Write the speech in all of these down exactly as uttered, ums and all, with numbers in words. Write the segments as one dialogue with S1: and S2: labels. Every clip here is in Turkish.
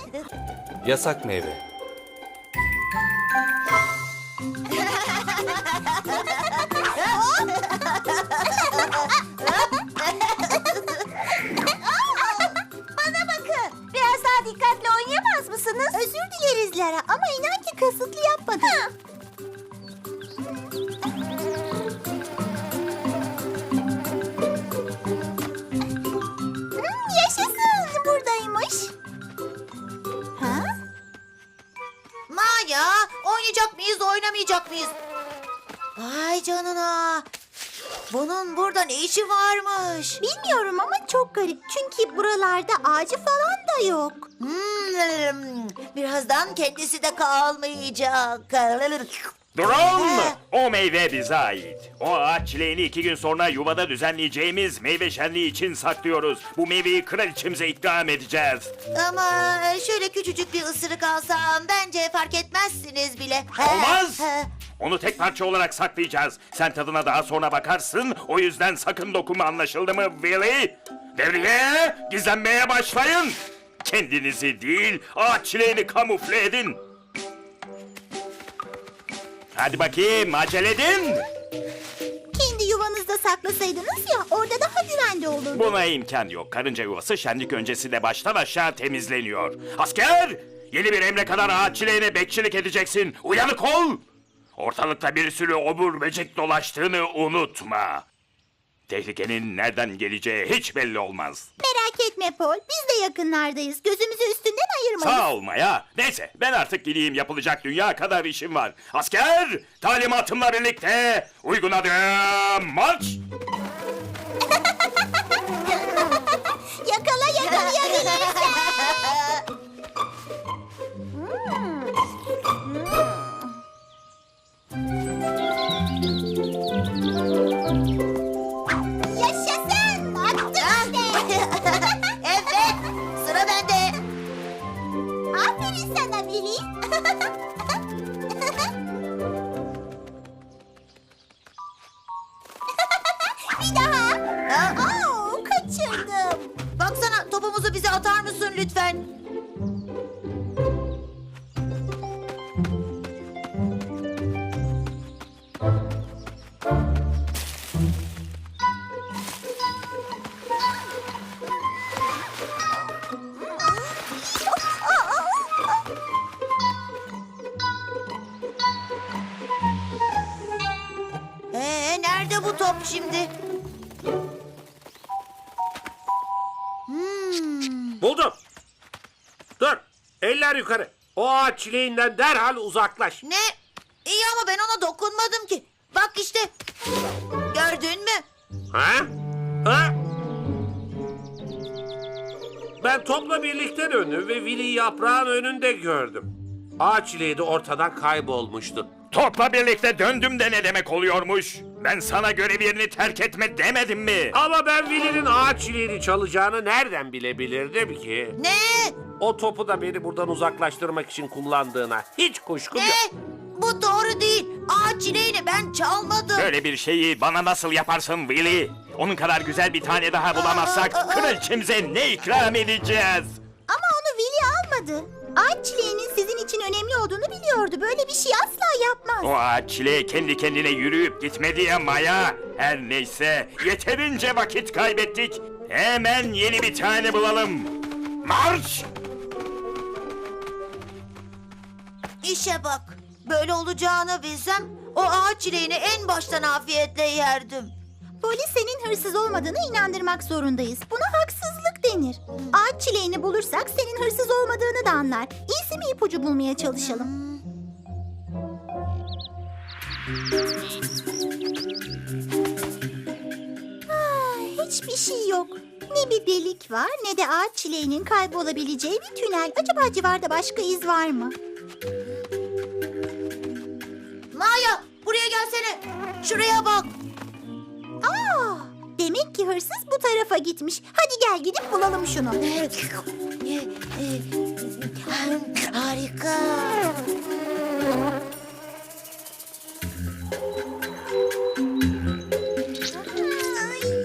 S1: Yasak meyve.
S2: Bana bakın. Biraz daha dikkatli oynayamaz mısınız? Özür dileriz Lara ama inan ki kasıtlı yapmadım. Hmm, yaşasın. Buradaymış. Ha?
S3: Maya, oynayacak mıyız, oynamayacak mıyız? Vay canına. Bunun burada ne işi varmış?
S2: Bilmiyorum ama çok garip. Çünkü buralarda ağacı falan da yok.
S3: Hmm, birazdan kendisi de kalmayacak.
S4: Drone! O meyve bize ait. O ağaç çileğini iki gün sonra yuvada düzenleyeceğimiz meyve şenliği için saklıyoruz. Bu meyveyi kraliçemize ikram edeceğiz.
S3: Ama şöyle küçücük bir ısırık alsam bence fark etmezsiniz bile.
S4: Olmaz! Onu tek parça olarak saklayacağız. Sen tadına daha sonra bakarsın. O yüzden sakın dokunma, anlaşıldı mı Willy? Devriye, gizlenmeye başlayın. Kendinizi değil, ağaç çileğini kamufle edin. Hadi bakayım, acele edin.
S2: Kendi yuvanızda saklasaydınız ya orada daha güvende olurdu.
S4: Buna imkan yok. Karınca yuvası şenlik öncesinde baştan aşağı temizleniyor. Asker! Yeni bir emre kadar ağaç çileğine bekçilik edeceksin. Uyanık ol! Ortalıkta bir sürü obur böcek dolaştığını unutma. Tehlikenin nereden geleceği hiç belli olmaz.
S2: Merak etme Paul, biz de yakınlardayız. Gözümüzü üstünden ayırmayız.
S4: Sağ ol Maya. Neyse, ben artık gideyim, yapılacak dünya kadar işim var. Asker! Talimatımla birlikte uygun adım marş!
S2: Yakala yakalayabilirsen. Yaşasın! Attım işte.
S3: Evet, sıra bende.
S2: Aferin sana Billy. Bir daha.
S3: Ha?
S2: Oo, kaçırdım.
S3: Baksana, topumuzu bize atar mısın lütfen? Ee, nerede bu top şimdi?
S5: Buldum. Dur. Eller yukarı. O ağaç çileğinden derhal uzaklaş.
S3: Ne? İyi ama ben ona dokunmadım ki. Bak işte. Gördün mü?
S5: Ha? Ha? Ben topla birlikte döndüm ve Willy'yi yaprağın önünde gördüm. Ağaç çileği de ortadan kaybolmuştu.
S4: Topla birlikte döndüm de ne demek oluyormuş? Ben sana görev yerini terk etme demedim mi?
S5: Ama ben Willy'nin ağaç çileğini çalacağını nereden bilebilirdim ki?
S3: Ne?
S5: O topu da beni buradan uzaklaştırmak için kullandığına hiç kuşkum
S3: Ne?
S5: yok.
S3: Bu doğru değil. Ağaç çileğini ben çalmadım.
S4: Böyle bir şeyi bana nasıl yaparsın Willy? Onun kadar güzel bir tane daha bulamazsak kraliçemize ne ikram edeceğiz?
S2: Ama onu Willy almadı. Ağaç çileğinin sizin için önemli olduğunu biliyordu. Böyle bir şey asla yapmaz.
S4: O ağaç çileği kendi kendine yürüyüp gitmedi ya Maya. Her neyse, yeterince vakit kaybettik. Hemen yeni bir tane bulalım. Marş!
S3: İşe bak. Böyle olacağını bilsem o ağaç çileğini en baştan afiyetle yerdim.
S2: Polis senin hırsız olmadığını inandırmak zorundayız. Buna haksızlık denir. Ağaç çileğini bulursak senin hırsız olmadığını da anlar. İyisi mi ipucu bulmaya çalışalım? Ah, hiçbir şey yok. Ne bir delik var ne de ağaç çileğinin kaybolabileceği bir tünel. Acaba civarda başka iz var mı?
S3: Maya, buraya gelsene. Şuraya bak.
S2: Aa, demek ki hırsız bu tarafa gitmiş. Hadi gel gidip bulalım şunu.
S3: Harika.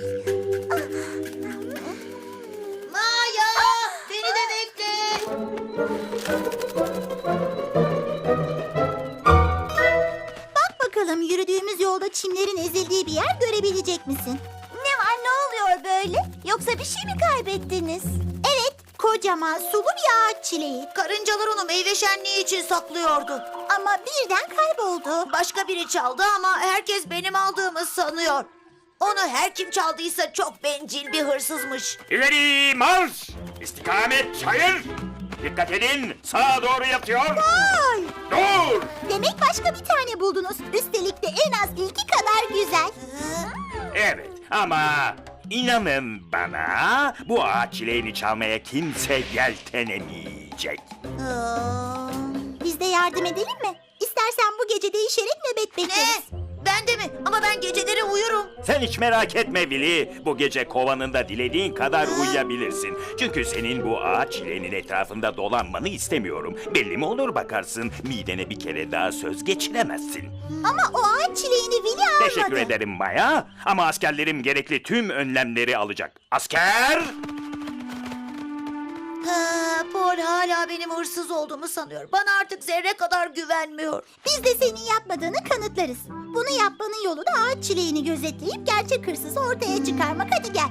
S3: Maya, beni de bekle.
S2: Bak bakalım yürüdüğümüz yolda çimlerin ezildiği bir yer görebilecek misin? Ne var, ne oluyor böyle? Yoksa bir şey mi kaybettiniz? Evet, kocaman sulu bir ağaç çileği.
S3: Karıncalar onu meyve şenliği için saklıyordu.
S2: Ama birden kayboldu.
S3: Başka biri çaldı ama herkes benim aldığımı sanıyor. Onu her kim çaldıysa çok bencil bir hırsızmış.
S4: İleri marş! İstikamet çayır! Dikkat edin, sağa doğru yatıyor.
S2: Ay!
S4: Dur!
S2: Demek başka bir tane buldunuz. Üstelik de en az ilki kadar güzel.
S4: Evet ama inanın bana bu ağaç çileğini çalmaya kimse yeltenemeyecek.
S3: Aa,
S2: Biz de yardım edelim mi? İstersen bu gece değişerek nöbet
S3: ne?
S2: bekleriz.
S3: Ben de mi? Ama ben geceleri uyurum.
S4: Sen hiç merak etme Willy. Bu gece kovanında dilediğin kadar uyuyabilirsin. Çünkü senin bu ağaç çileğinin etrafında dolanmanı istemiyorum. Belli mi olur bakarsın, midene bir kere daha söz geçiremezsin.
S2: Ama o ağaç çileğini Willy almadı.
S4: Teşekkür ederim Maya. Ama askerlerim gerekli tüm önlemleri alacak. Asker!
S3: Ha, Paul hala benim hırsız olduğumu sanıyor. Bana artık zerre kadar güvenmiyor.
S2: Biz de senin yapmadığını kanıtlarız. Bunu yapmanın yolu da ağaç çileğini gözetleyip gerçek hırsızı ortaya çıkarmak. Hadi gel.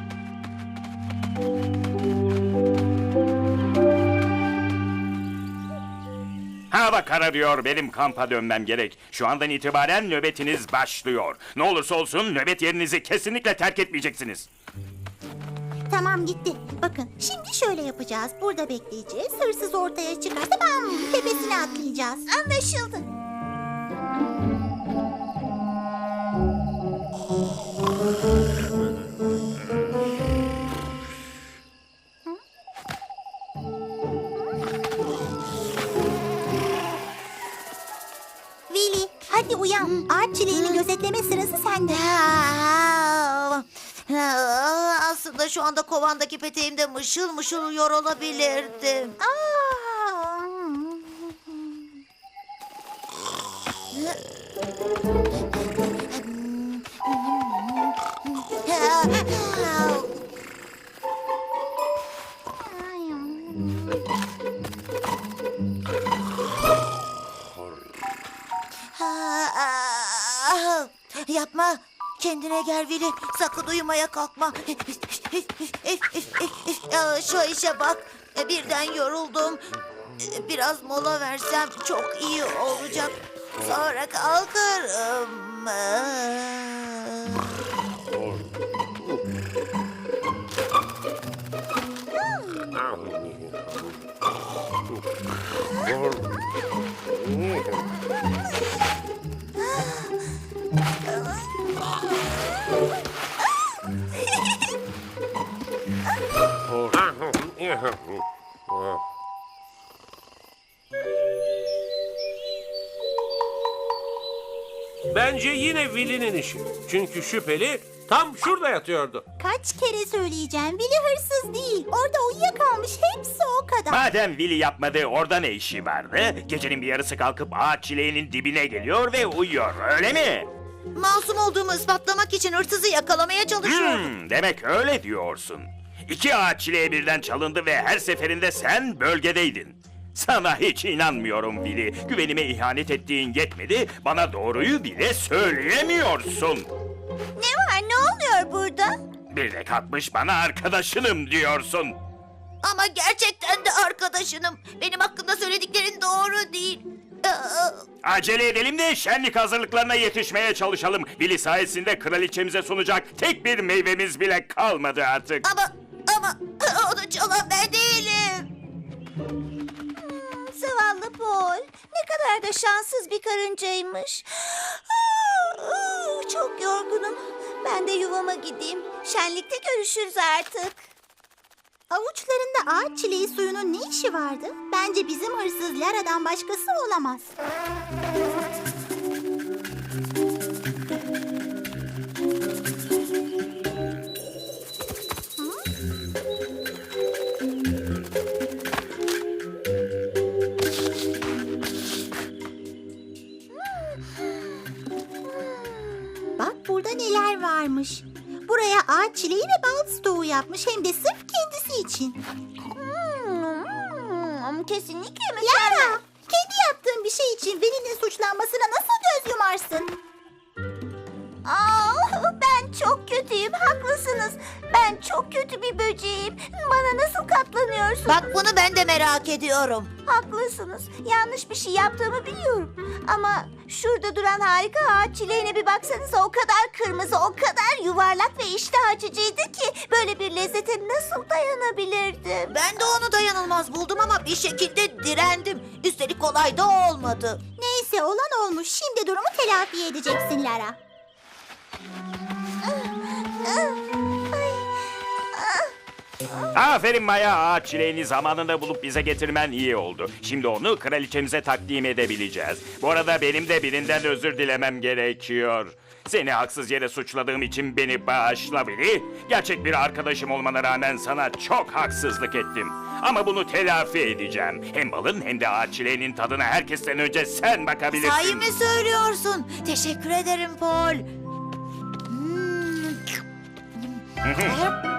S4: Hava kararıyor. Benim kampa dönmem gerek. Şu andan itibaren nöbetiniz başlıyor. Ne olursa olsun nöbet yerinizi kesinlikle terk etmeyeceksiniz.
S2: Tamam, gitti. Bakın şimdi şöyle yapacağız. Burada bekleyeceğiz. Hırsız ortaya çıkarsa bam tepesine atlayacağız. Anlaşıldı. Willy, hadi uyan. Ağaç çileğini gözetleme sırası sende.
S3: Ha, ha, aslında şu anda kovandaki peteğimde mışıl mışıl uyuyor olabilirdim.
S2: Aa.
S3: Ah, yapma. Kendine gel Vili. Sakın uyumaya kalkma. Ya, şu işe bak. Birden yoruldum. Biraz mola versem çok iyi olacak. Sonra kalkarım.
S5: Bence yine Willy'nin işi. Çünkü şüpheli tam şurada yatıyordu.
S2: Kaç kere söyleyeceğim. Willy hırsız değil. Orada uyuyakalmış. Hepsi o kadar.
S4: Madem Willy yapmadı, orada ne işi vardı? Gecenin bir yarısı kalkıp ağaç çileğinin dibine geliyor ve uyuyor, öyle mi?
S3: Masum olduğumu ispatlamak için hırsızı yakalamaya çalışıyordum.
S4: Hmm, demek öyle diyorsun. İki ağaç çileği birden çalındı ve her seferinde sen bölgedeydin. Sana hiç inanmıyorum Willy. Güvenime ihanet ettiğin yetmedi, bana doğruyu bile söyleyemiyorsun.
S2: Ne var? Ne oluyor burada?
S4: Bir de kalkmış bana arkadaşınım diyorsun.
S3: Ama gerçekten de arkadaşınım. Benim hakkında söylediklerin doğru değil. Aa,
S4: Acele edelim de şenlik hazırlıklarına yetişmeye çalışalım. Willy sayesinde kraliçemize sunacak tek bir meyvemiz bile kalmadı artık.
S3: Ama ama onu çalan ben değilim.
S2: Zavallı Paul. Ne kadar da şanssız bir karıncaymış. Çok yorgunum. Ben de yuvama gideyim. Şenlikte görüşürüz artık. Avuçlarında ağaç çileği suyunun ne işi vardı? Bence bizim hırsız Lara'dan başkası olamaz. Bak burada neler varmış. Buraya ağaç çileği ve bal stoğu yapmış, hem de sırf kendisi için. Hmm, yaptığım kesinlikle mükemmel. Lara, kendi yaptığın bir şey için Veli'nin suçlanmasına nasıl göz yumarsın? Aa, ben çok kötüyüm, haklısınız. Ben çok kötü bir böceğim. Bana nasıl katlanıyorsunuz?
S3: Bak bunu ben de merak ediyorum.
S2: Haklısınız. Yanlış bir şey yaptığımı biliyorum. Ama şurada duran harika ağaç çileğine bir baksanıza, o kadar kırmızı, o kadar yuvarlak ve iştah açıcıydı ki böyle bir lezzete nasıl dayanabilirdim?
S3: Ben de onu dayanılmaz buldum ama bir şekilde direndim. Üstelik kolay da olmadı.
S2: Neyse, olan olmuş. Şimdi durumu telafi edeceksin Lara.
S4: Aferin Maya, ağaç çileğini zamanında bulup bize getirmen iyi oldu. Şimdi onu kraliçemize takdim edebileceğiz. Bu arada benim de birinden özür dilemem gerekiyor. Seni haksız yere suçladığım için beni bağışla Veli. Gerçek bir arkadaşım olmana rağmen sana çok haksızlık ettim. Ama bunu telafi edeceğim. Hem balın hem de ağaç çileğinin tadına herkesten önce sen bakabilirsin.
S3: Sahi mi söylüyorsun? Teşekkür ederim Paul. Hmm.